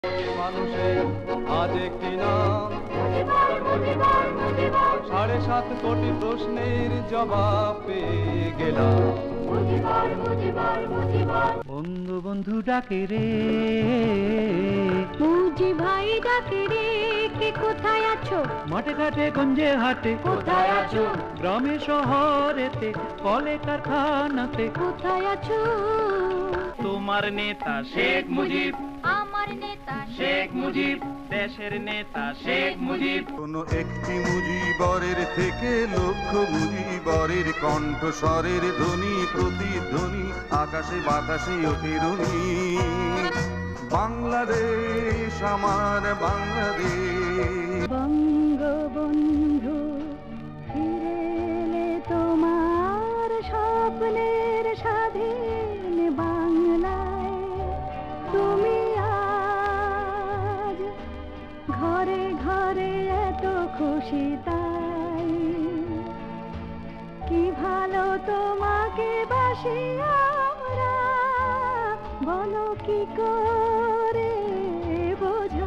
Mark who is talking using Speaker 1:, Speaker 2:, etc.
Speaker 1: মানুষের আজ একটি নাম, 7.5 কোটি প্রশ্নের জবাব পেয়ে গেলাম।
Speaker 2: বন্ধু বন্ধু ডাকে রে,
Speaker 3: মুজি ভাই ডাকে রে, কে কোথায় আছো?
Speaker 2: মাঠে ঘাটে গঞ্জে হাটে
Speaker 3: কোথায় আছো?
Speaker 2: গ্রামে শহরেতে কলে কারখানাতে
Speaker 3: কোথায় আছো?
Speaker 2: তোমার নেতা শেখ মুজিব,
Speaker 3: আমার নেতা
Speaker 2: শেখ মুজিব, দেশের নেতা শেখ মুজিব।
Speaker 4: কোন একটি মুজিবরের থেকে লক্ষ মুজিবরের কণ্ঠস্বরের ধ্বনি প্রতিধ্বনি আকাশে বাতাসে অতিরুনি। বাংলাদেশ আমার বাংলাদেশ।
Speaker 3: বঙ্গবন্ধু ফিরে এলে তোমার স্বপ্নের স্বাধীন বাংলায়, তুমি আজ ঘরে ঘরে এত খুশি তাই, কি ভালো তোমাকে বাসি আমরা, বলো কি করে বোঝাই।